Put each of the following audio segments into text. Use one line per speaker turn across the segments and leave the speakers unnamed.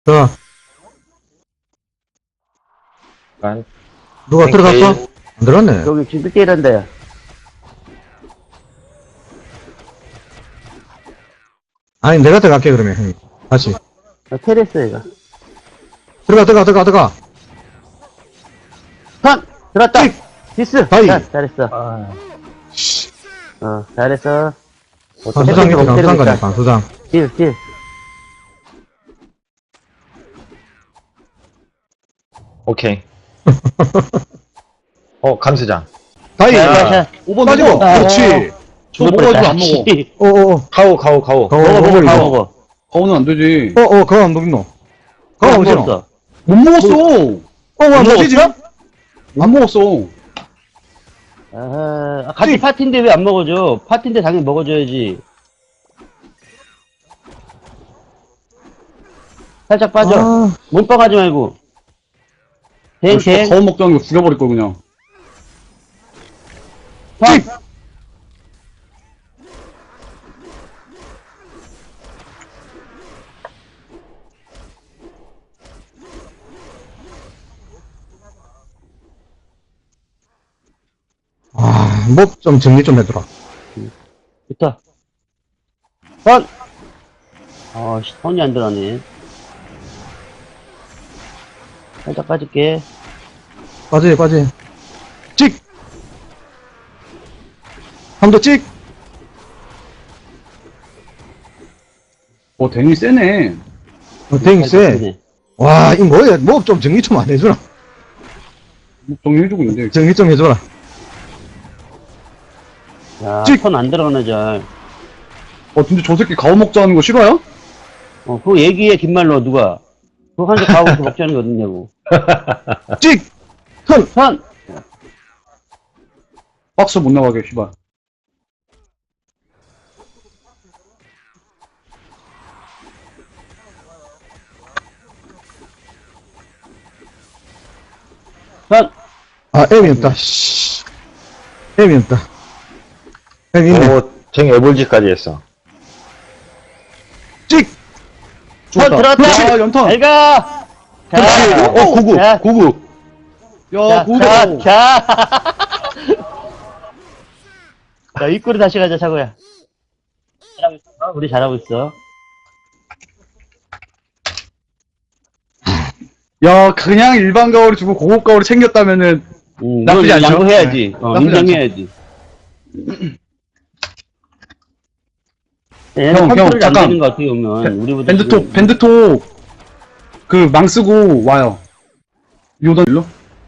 자,
난
누가 들어갔어? 안 들어갔네.
여기 지금 1대1한데.
아니, 내가 들어갈게, 그러면, 형님. 다시.
테레스, 얘가.
들어가.
선! 들었다!
찍!
디스!
다이!
자, 잘했어. 잘했어.
반수장이고,
때리고
반수장
있다.
가네, 반수장.
딜.
오케이. 감수장.
다이!
자,
5번
빠지고!
넘어.
그렇지!
저 먹어가지고 안 먹어.
어어어.
가오.
먹어, 이거.
먹어.
가오는 안 되지.
그거 안 먹노. 그거 안 먹노.
먹었어.
못 먹었어.
안 먹지?
안 먹었어.
같이 파티인데 왜 안 먹어줘? 파티인데 당연히 먹어줘야지. 살짝 빠져.
아.
몸빵하지 말고. 댕.
가오 먹자는 거 죽여버릴 걸 그냥.
찍! 목 좀 정리 좀 해두라.
좋다. 선! 선이 안 들어가네. 살짝 빠질게.
빠지. 찍! 한 번 더 찍!
데니 세네.
댕이 세.
되네.
와, 이 뭐야? 목 좀 정리 좀 안 해주라.
정리해주고 있는데.
정리 좀 해줘라.
야,
찍!
선 안 들어가네, 잘.
근데 저 새끼 가오 먹자는 거 싫어요?
그거 얘기해, 긴 말로, 누가. 그거 한대 가고 먹자는 게 어딨냐고.
찍!
선!
박스 못 나가게, 씨발.
선!
M이 없다. 씨. M이 없다. M 있네.
쟁 애볼지까지 했어.
찍!
선 들어왔다!
야, 연탄.
잘 가! 자,
구구.
자,
구구. 야,
자,
구구.
자. 자, 입구로 다시 가자, 차고야. 잘하고 있어. 우리 잘하고 있어.
야, 그냥 일반 가오를 주고 고급 가오를 챙겼다면은 나쁘지 않죠?
양보해야지.
나쁘지
인정해야지. 얘는
형,
컨트롤이 안
잠깐.
되는 거 어떻게 보면. 우리보다.
밴드톡, 그, 망 쓰고 와요. 요단 일로?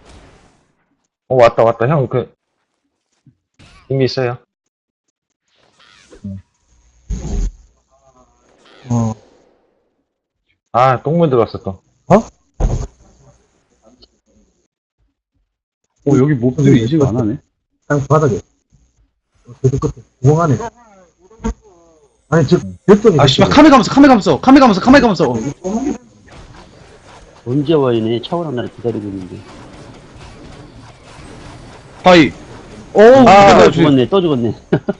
왔다. 형, 이미 있어요. 똥물 들어갔어, 또.
여기 몹들이 인식 안 하네.
그냥 바닥에. 계속 끝에. 구멍 안에. 아니, 벽돌이.
아, 씨발, 카메 감았어.
언제 와이네. 차고랑 나를 기다리고 있는데.
바이.
또
조심.
죽었네. 또 죽었네.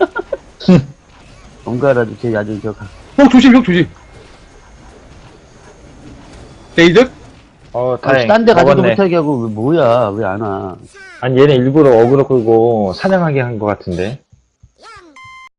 뭔가라도 쟤 아주
형 조심. 데이드?
다행.
딴 데 가지도
먹었네.
못하게 하고, 뭐야. 왜 안 와.
아니, 얘네 일부러 어그로 끌고 사냥하게 한 것 같은데.